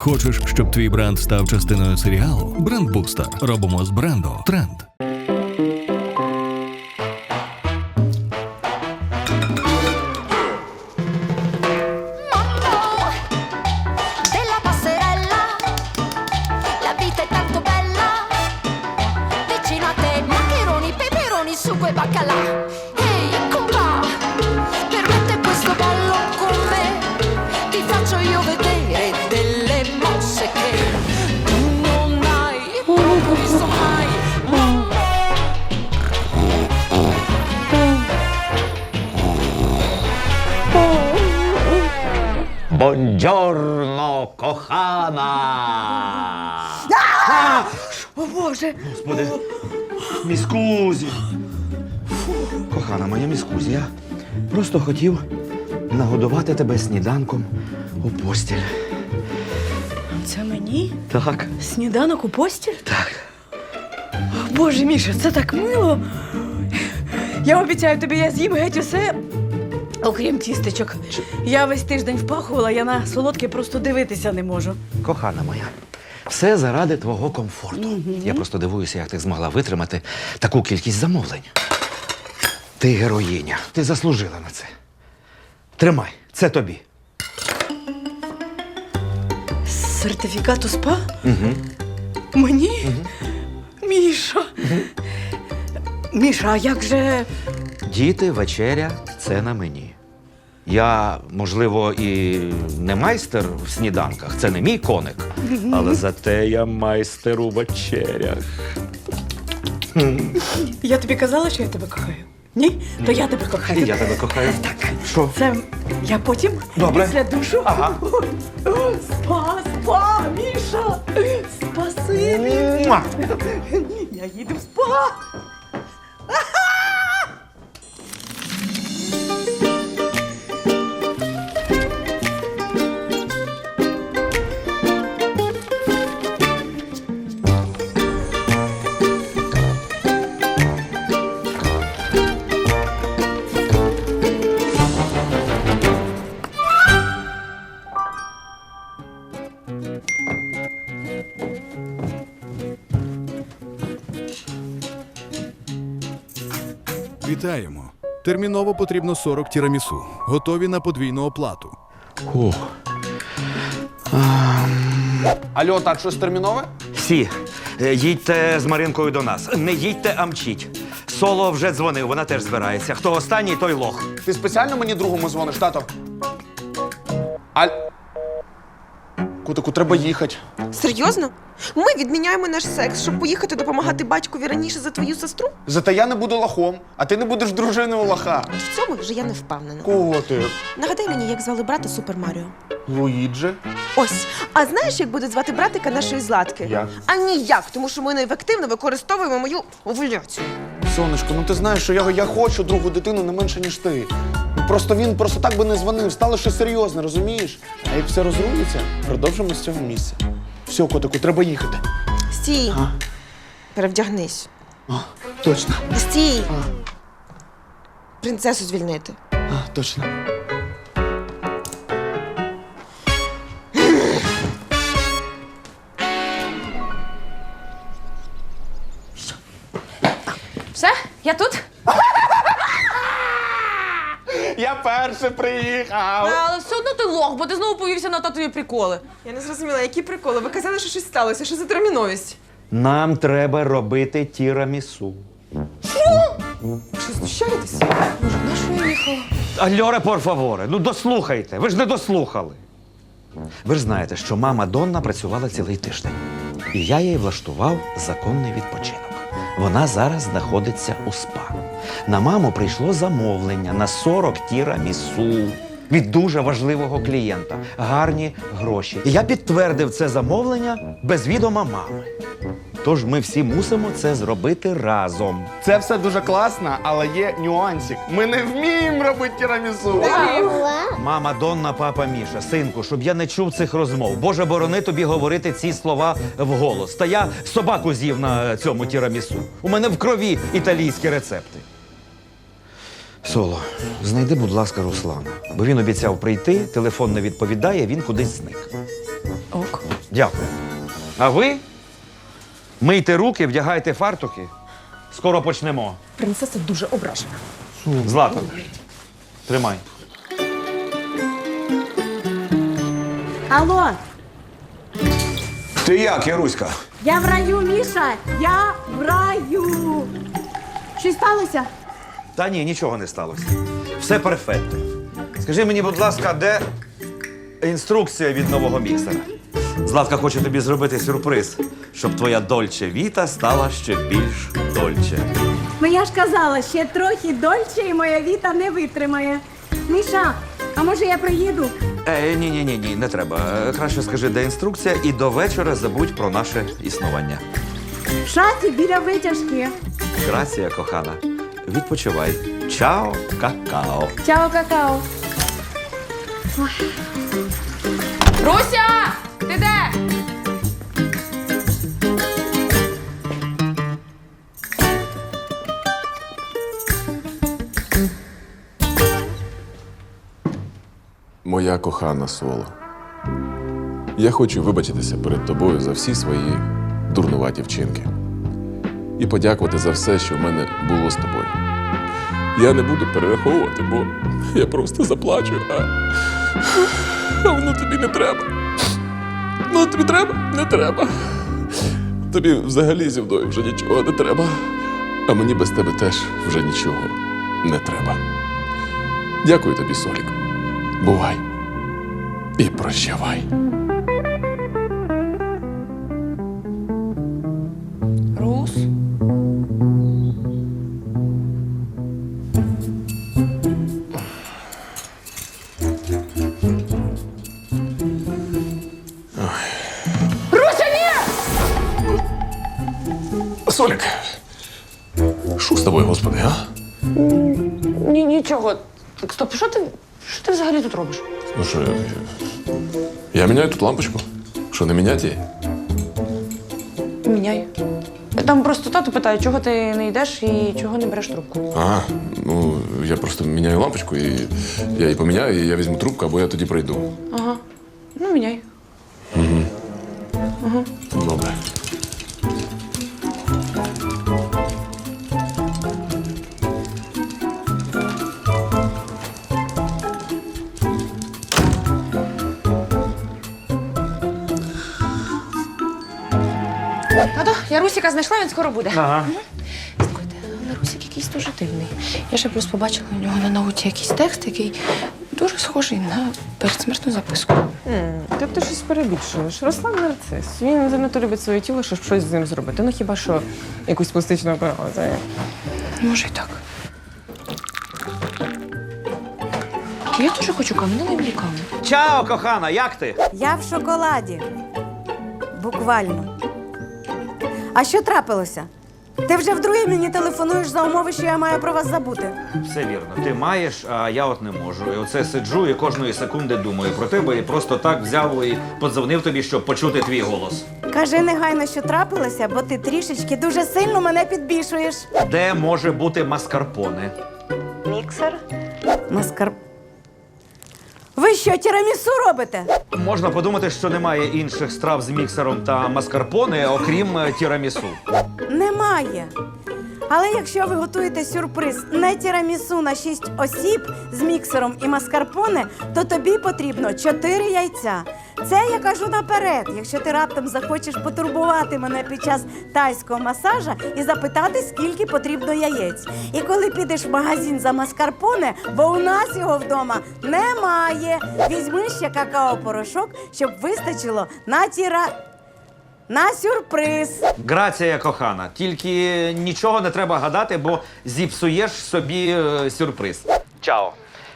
Хочеш, щоб твій бренд став частиною серіалу? Брендбустер. Робимо з бренду тренд. Della passerella, la vita è tanto bella, vicino a te maccheroni, peperoni, sugo e baccalà. Ehi, compa, permette questo ballo con me, ti faccio io vedere delle mosse che tu non hai proprio visto mai. Бонджорно, кохана! О, Боже! Господи, міскузі! Кохана моя міскузі, я просто хотів нагодувати тебе сніданком у постіль. Це мені? Так. Сніданок у постіль? Так. Боже, Міша, це так мило. Я обіцяю тобі, я з'їм геть усе, окрім тістечок. Я весь тиждень впахувала, я на солодке просто дивитися не можу. Кохана моя, все заради твого комфорту. Я просто дивуюся, як ти змогла витримати таку кількість замовлень. Ти героїня, ти заслужила на це. Тримай, це тобі. Сертифікат у СПА? Угу. Мені? Міша. Міша, а як же... Діти, вечеря – це на мені. Я, можливо, і не майстер в сніданках, це не мій коник, але зате я майстер у вечерях. Я тобі казала, що я тебе кохаю? Ні? То я тебе кохаю. І я тебе кохаю. Так. Що? Це я потім, Добре. після душу. Ага. Спа, Міша! Спасибі! Муа! Я їду в спа! Вітаємо! Терміново потрібно 40 тірамісу. Готові на подвійну оплату. Ох. Алло, так, щось термінове? Всі, їдьте з Маринкою до нас. Не їдьте, а мчіть. Соло вже дзвонив, вона теж збирається. Хто останній, той лох. Ти спеціально мені другому дзвониш, тато? Кутику, треба їхати. Серйозно? Ми відміняємо наш секс, щоб поїхати допомагати батькові раніше за твою сестру? Зате я не буду лохом, а ти не будеш дружиною лоха. От в цьому вже я не впевнена. Котик. Нагадай мені, як звали брата Супер Маріо. Луїджі. Ось. А знаєш, як буде звати братика нашої Златки? Як? А ніяк, тому що ми неефективно використовуємо мою овуляцію. Сонечко, ну ти знаєш, що я хочу другу дитину не менше, ніж ти. Просто він просто так би не дзвонив, стало щось серйозне, розумієш? А як все розрулиться, продовжимо з цього місця. Все, котику, треба їхати. Стій. А? Перевдягнись. А, точно. Стій. Принцесу звільнити. А, точно. Все, я тут. Я перший приїхав. Але все одно ти лох, бо ти знову повівся на татові приколи. Я не зрозуміла, які приколи. Ви казали, що щось сталося. Що за терміновість? Нам треба робити тірамісу. Що, знущаєтесь? Альоре, пор фаворе, ну дослухайте, ви ж не дослухали. Ви ж знаєте, що мама Донна працювала цілий тиждень. І я їй влаштував законний відпочинок. Вона зараз знаходиться у СПА. На маму прийшло замовлення на 40 тірамісу від дуже важливого клієнта. Гарні гроші. І я підтвердив це замовлення без відома мами. Тож ми всі мусимо це зробити разом. Це все дуже класно, але є нюансик. Ми не вміємо робити тірамісу. Мама Донна, папа Міша, синку, щоб я не чув цих розмов. Боже, борони тобі говорити ці слова вголос. Та я собаку з'їв на цьому тірамісу. У мене в крові італійські рецепти. Соло, знайди, будь ласка, Руслана. Бо він обіцяв прийти, телефон не відповідає, він кудись зник. Ок. Дякую. А ви мийте руки, вдягайте фартуки. Скоро почнемо. Принцеса дуже ображена. Злата, тримай. Алло, Ти як, Яруська? я в раю, Міша, я в раю. Щось сталося? Та ні, нічого не сталося. Все перфектно. Скажи мені, будь ласка, де інструкція від нового міксера? Златка хоче тобі зробити сюрприз, щоб твоя Дольче Віта стала ще більш Дольче. Ну я ж казала, ще трохи дольче і моя Віта не витримає. Міша, а може я приїду? Ні, не треба. Краще скажи, де інструкція, і до вечора забудь про наше існування. В шаті біля витяжки. Грація, кохана. Відпочивай. Чао, какао. Чао, какао. Руся! Ти де? Моя кохана Соло, я хочу вибачитися перед тобою за всі свої дурнуваті вчинки і подякувати за все, що в мене було з тобою. Я не буду перераховувати, бо я просто заплачу, а воно тобі не треба. Ну, тобі треба? Не треба. Тобі взагалі зі мною вже нічого не треба, а мені без тебе теж вже нічого не треба. Дякую тобі, Солік. Бувай і прощавай. Рус? Солік, що з тобою, господи, а? Нічого. Так, стоп, що ти взагалі тут робиш? Ну що, я міняю тут лампочку. Що, не міняти її? Міняй. Там просто тато питає, чого ти не йдеш і чого не береш трубку. А, ну, я просто міняю лампочку, і я її поміняю, і я візьму трубку, або я тоді прийду. Ага. Ну, міняй. Добре. Тато, я Русіка знайшла, він скоро буде. Ага. Слухайте, але Русік якийсь дуже дивний. Я ще просто побачила у нього на ноуті якийсь текст, який дуже схожий на передсмертну записку. Та ти щось перебільшуєш. Руслан нарцис. Він занадто любить своє тіло, щоб щось з ним зробити. Ну хіба що якусь пластичну операцію. Може, і так. Я теж хочу каву, дай мені каву. Чао, кохана, як ти? Я в шоколаді. Буквально. А що трапилося? Ти вже вдруге мені телефонуєш за умови, що я маю про вас забути. Все вірно. Ти маєш, а я от не можу. І оце сиджу і кожної секунди думаю про тебе і просто так взяв і подзвонив тобі, щоб почути твій голос. Кажи негайно, що трапилося, бо ти трішечки дуже сильно мене підбішуєш. Де може бути маскарпоне? Міксер? Маскар... Ви що, тірамісу робите? Можна подумати, що немає інших страв з міксером та маскарпоне, окрім тірамісу. Немає. Але якщо ви готуєте сюрприз не тірамісу на 6 осіб з міксером і маскарпоне, то тобі потрібно 4 яйця. Це я кажу наперед, якщо ти раптом захочеш потурбувати мене під час тайського масажа і запитати, скільки потрібно яєць. І коли підеш в магазин за маскарпоне, бо у нас його вдома немає, візьми ще какао-порошок, щоб вистачило на сюрприз. Грація, кохана. Тільки нічого не треба гадати, бо зіпсуєш собі сюрприз. Чао.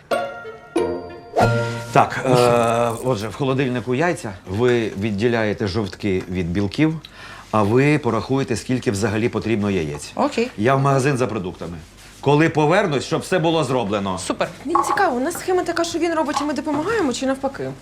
Так, отже, в холодильнику яйця. Ви відділяєте жовтки від білків, а ви порахуєте, скільки взагалі потрібно яєць. Окей. Я в магазин за продуктами. Коли повернусь, щоб все було зроблено. Супер. Він цікаво, у нас схема така, що він робить, і ми допомагаємо, чи навпаки?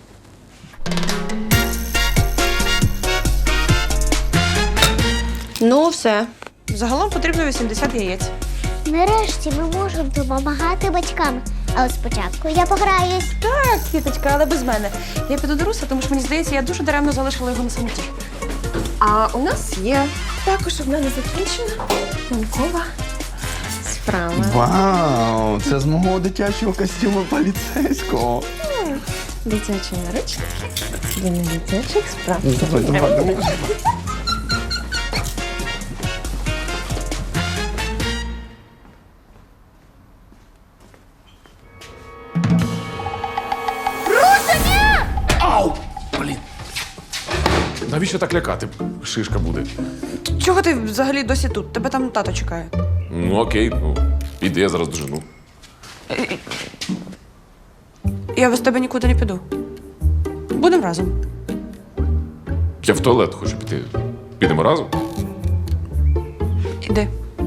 Ну, все. Загалом потрібно 80 яєць. Нарешті ми можемо допомагати батькам. А от спочатку я пограюсь. Так, квіточка, але без мене. Я піду до Руса, тому що мені здається, я дуже даремно залишила його на самоті. А у нас є також одна незакінчена наукова справа. Вау, це з мого дитячого костюму поліцейського. Дитячі наручники для недитячих справ. Давай. Ау! Блін. Навіщо так лякати? Шишка буде. Чого ти взагалі досі тут? Тебе там тато чекає. Ну окей, ну, іди, я зараз дожену. Я без тебе нікуди не піду. Будемо разом. Я в туалет хочу піти. Підемо разом? Іди.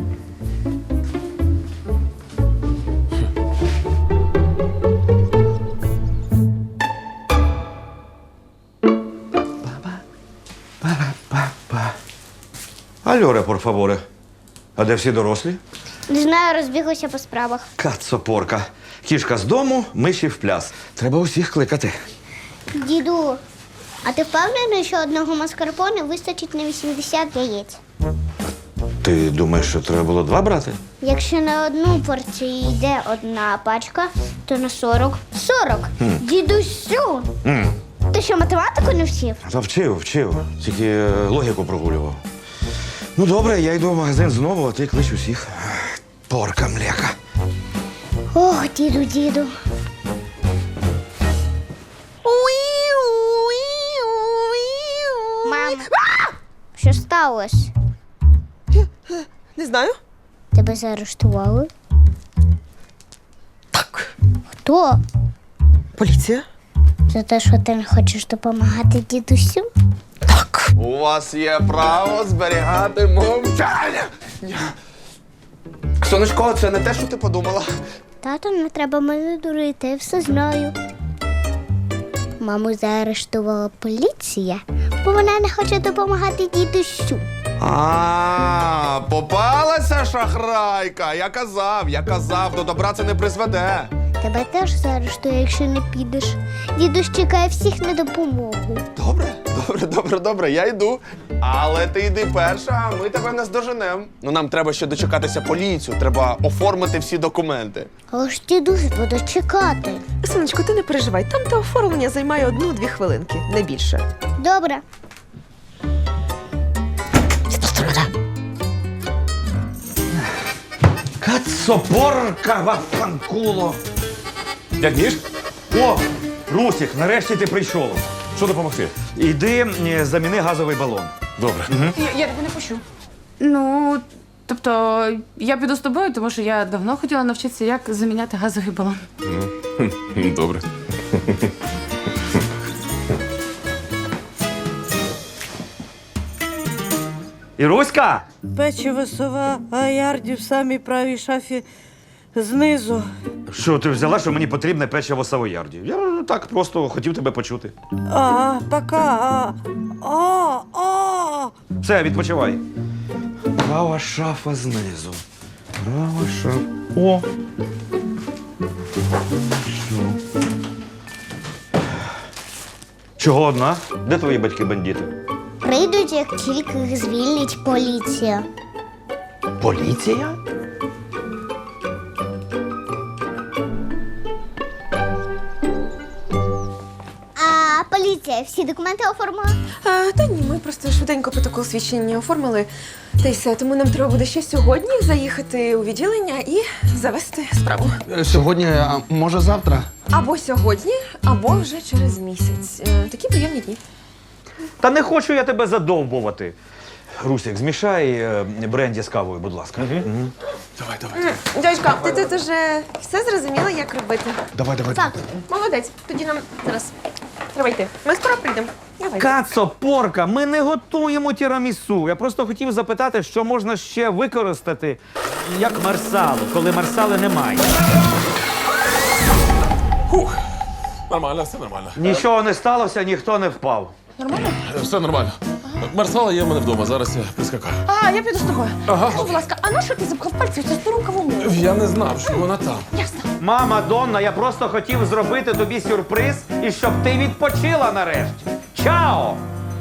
Альоре, порфаворе. А де всі дорослі? Не знаю, розбіглися по справах. Кацопорка. Кішка з дому, миші в пляс. Треба усіх кликати. Діду, а ти впевнений, що одного маскарпоне вистачить на 80 яєць? Ти думаєш, що треба було 2 брати? Якщо на одну порцію йде одна пачка, то на 40 – 40. Дідусю! Ти що, математику не вчив? Та вчив. Тільки логіку прогулював. Ну добре, я йду в магазин знову, а ти клич усіх. Порка млека. Ох, діду. Мам, що сталося? Не знаю. Тебе заарештували? Так. Хто? Поліція? За те, що ти не хочеш допомагати дідусю? Так. У вас є право зберігати мовчання. Сонечко, це не те, що ти подумала. Тато, не треба мене дурити, я все знаю. Маму заарештувала поліція, бо вона не хоче допомагати дідусю. А, попалася шахрайка. Я казав, до добра це не призведе. Тебе теж заарештує, якщо не підеш. Дідусь чекає всіх на допомогу. Добре, я йду. Але ти йди перша, а ми тебе не здоженем. Ну нам треба ще дочекатися поліцію, треба оформити всі документи. Але ж дідусь буде чекати. Сонечко, ти не переживай, там те оформлення займає 1-2 хвилинки, не більше. Добре. Кацопорка вафанкуло. Дядь Міш, О, Русік, нарешті ти прийшов. що допомогти? Іди, заміни газовий балон. Добре. Я тебе не пущу. Ну, тобто, я піду з тобою, тому що я давно хотіла навчитися, як заміняти газовий балон. Добре. Іруська! Печиво сова, а ярді в самій правій шафі знизу. Що ти взяла, що мені потрібне печиво савоярді? Я так просто хотів тебе почути. Пока. Все, відпочивай. Права шафа знизу. Права шафа. О! Що? Чого одна? Де твої батьки-бандити? Прийдуть, як тільки їх звільнить поліція. Поліція? А поліція всі документи оформила? Та ні, ми просто швиденько протокол свідчення оформили. Та й все, тому нам треба буде ще сьогодні заїхати у відділення і завести справу. Сьогодні, а може завтра? Або сьогодні, або вже через місяць. Такі приємні дні. Та не хочу я тебе задовбувати. Русик, змішай бренді з кавою, будь ласка. Давай. Дядька, ти тут уже все зрозуміла, як робити? Давай. Так. Молодець. Тоді нам зараз треба йти. Ми скоро прийдемо. Давай. Кацопорка, ми не готуємо тірамісу. Я просто хотів запитати, що можна ще використати як марсалу, коли марсали немає. Нормально, все нормально. Нічого не сталося, ніхто не впав. Все нормально. Марсала є в мене вдома, зараз я прискакаю. А, я піду з тобою. Ага. Скажи, будь ласка, а на що ти запхав пальці в цю стару кавуну? Я не знав, що вона там. Ясно. Мама Донна, я просто хотів зробити тобі сюрприз і щоб ти відпочила нарешті. Чао!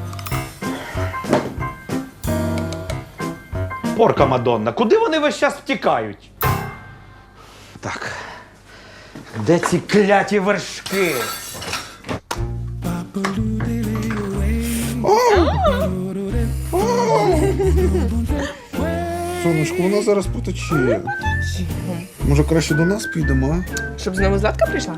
Порка Мадонна, куди вони весь час втікають? Так. Де ці кляті вершки? Сонечко, вона зараз потече. Може, краще до нас підемо, а? Щоб знову Златка прийшла?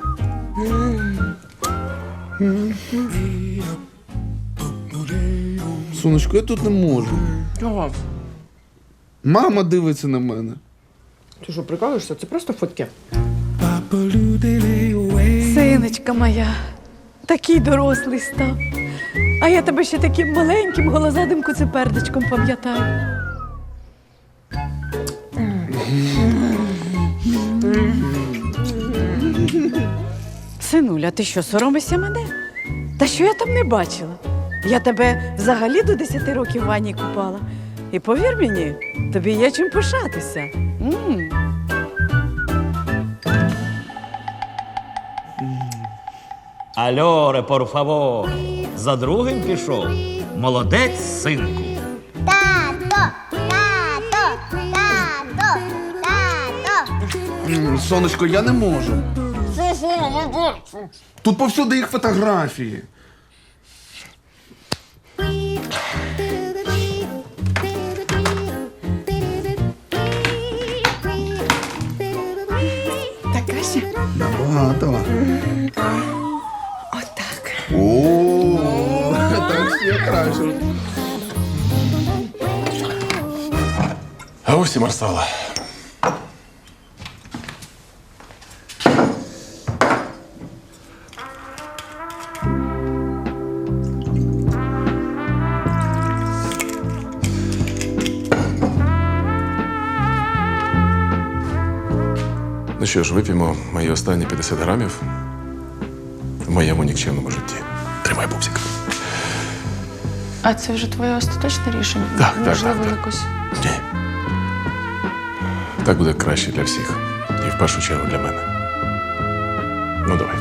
Сонечко, я тут не можу. Чого? Мама дивиться на мене. Ти що, прикалуєшся? Це просто фотки. Синочка моя, такий дорослий став. А я тебе ще таким маленьким голозадим куцепердичком пам'ятаю. Синуля, ти що, соромишся мене? Та що я там не бачила? Я тебе взагалі до 10 років в ванні купала. І повір мені, тобі є чим пишатися. Альоре, por favor. За другим пішов. Молодець, синку. Тато, тато, тато, тато. Сонечко, я не можу. Тут повсюди їх фотографії. Так краще? Набагато. Отак. О, так ще краще. А ось і Марсала. Ну що ж, вип'ємо мої останні 50 грамів в моєму нікчемному житті. Тримай, пупсик. А це вже твоє остаточне рішення? Так, Можливо, так. якось. Ні. Так буде краще для всіх. І в першу чергу для мене. Ну, давай.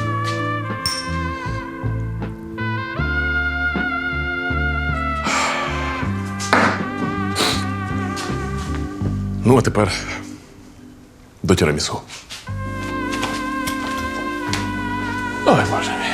Ну, а тепер до тірамісу. Ой, Боже мій.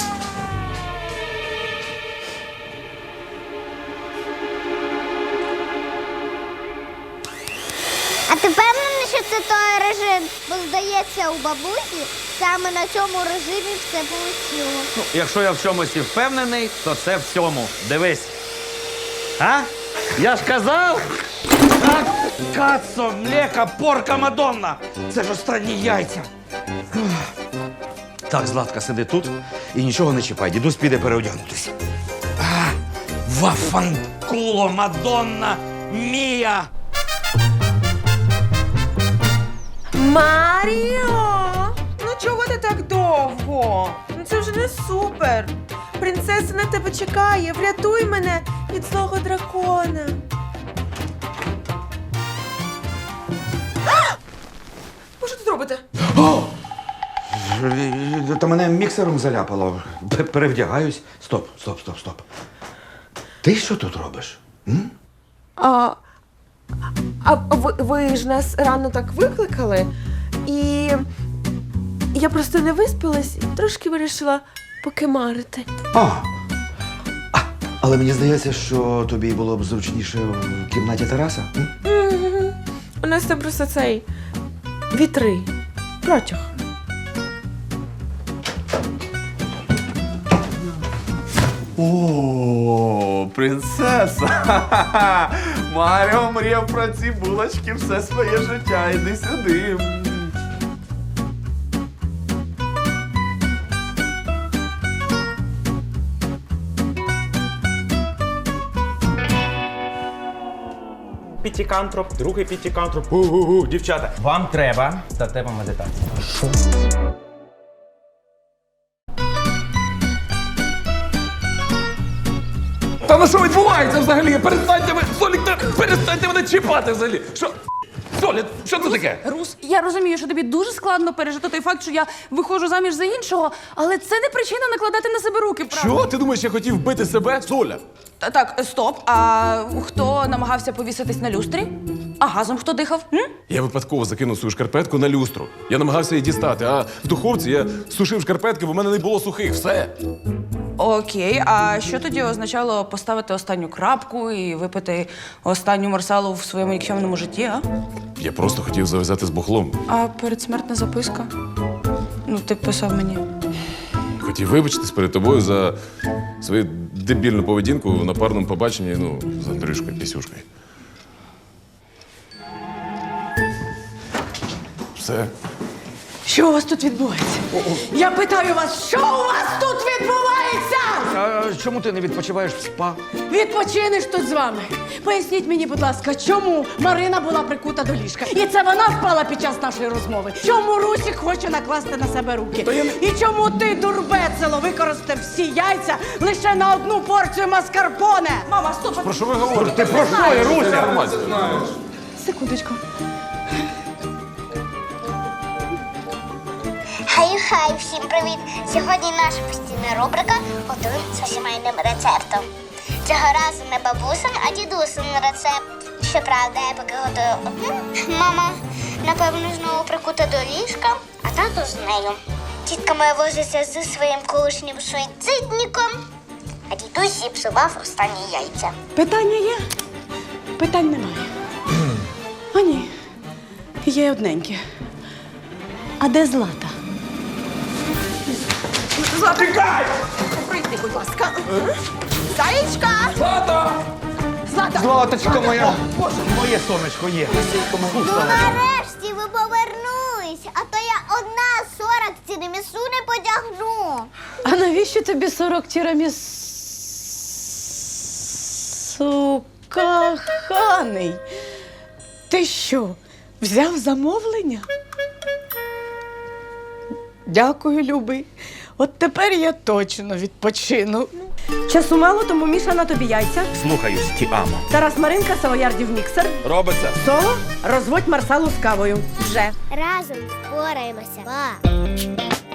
А ти впевнений, що це той режим? Бо здається, у бабусі саме на цьому режимі все вийшло. Якщо я в чомусь і впевнений, то це в цьому. Дивись. А? Я ж казав! Так, кацо, млека, порка Мадонна! Це ж останні яйця. Так, Златка, сиди тут і нічого не чіпай. Дідусь піде переодягнутися. Вафанкуло, Мадонна, мія! Маріо! Ну чого ти так довго? Ну це вже не супер. Принцеса на тебе чекає. Врятуй мене від злого дракона. Що тут робите? Та мене міксером заляпало. Перевдягаюсь. Стоп. Ти що тут робиш? А ви ж нас рано так викликали, і я просто не виспалась і трошки вирішила покемарити. Але мені здається, що тобі було б зручніше в кімнаті Тараса. У нас там просто цей вітри. Протяг. О, принцеса! Маріо мріяв про ці булочки все своє життя. Іди сюди. П'ятикантроп, другий п'ятикантроп. Дівчата, вам треба статева медитація. ну що відбувається взагалі? Перестаньте ви, Солік, перестаньте мене чіпати взагалі. Що? Соля, що це таке? Рус, я розумію, що тобі дуже складно пережити той факт, що я виходжу заміж за іншого, але це не причина накладати на себе руки, правда? Що? Ти думаєш, я хотів вбити себе? Соля! Так, стоп. А хто намагався повіситись на люстрі? А газом хто дихав? Я випадково закинув свою шкарпетку на люстру. Я намагався її дістати, а в духовці я сушив шкарпетки, бо в мене не було сухих. Все. Окей, а що тоді означало поставити останню крапку і випити останню марсалу в своєму нікчемному житті, а? Я просто хотів зав'язати з бухлом. А передсмертна записка? Ну, ти писав мені. Хотів вибачитись перед тобою за свою дебільну поведінку на парному побаченні, ну, з Андрюшкою Пісюшкою. Все. Що у вас тут відбувається? Я питаю вас, що у вас тут відбувається? А чому ти не відпочиваєш в спа? Відпочинеш тут з вами. Поясніть мені, будь ласка, чому Марина була прикута до ліжка? І це вона впала під час нашої розмови. Чому Русік хоче накласти на себе руки? І чому ти, дурбецело, використав всі яйця лише на одну порцію маскарпоне? Мама, стоп! Про що ви говорите? Ти про що, Руся? Секундочку. Хай, всім привіт! Сьогодні наша постійна рубрика «Готуємо за сімейним рецептом». Цього разу не бабусин, а дідусин рецепт. Щоправда, я поки готую одну. Мама, напевно, знову прикута до ліжка, а тато з нею. Тітка моя возиться зі своїм колишнім суїцидником, а дідусь зіпсував останні яйця. Питання є? Питань немає. А ні, є одненьке. А де Злата? Злата! Тікай! Прийди, будь ласка. Заєчка! Злата! Злата! Златочка моя! Моє сонечко є. Ну нарешті ви повернулись, а то я одна 40 тірамісу не потягну. А навіщо тобі 40 тірамісу, коханий? Ти що, взяв замовлення? Дякую, любий. От тепер я точно відпочину. Часу мало, тому Міша на тобі яйця. Слухаюсь, ті амо. Тарас Маринка, Савоярдів міксер. Робиться. Соло, розводь марсалу з кавою. Вже. Разом впораємося. Па.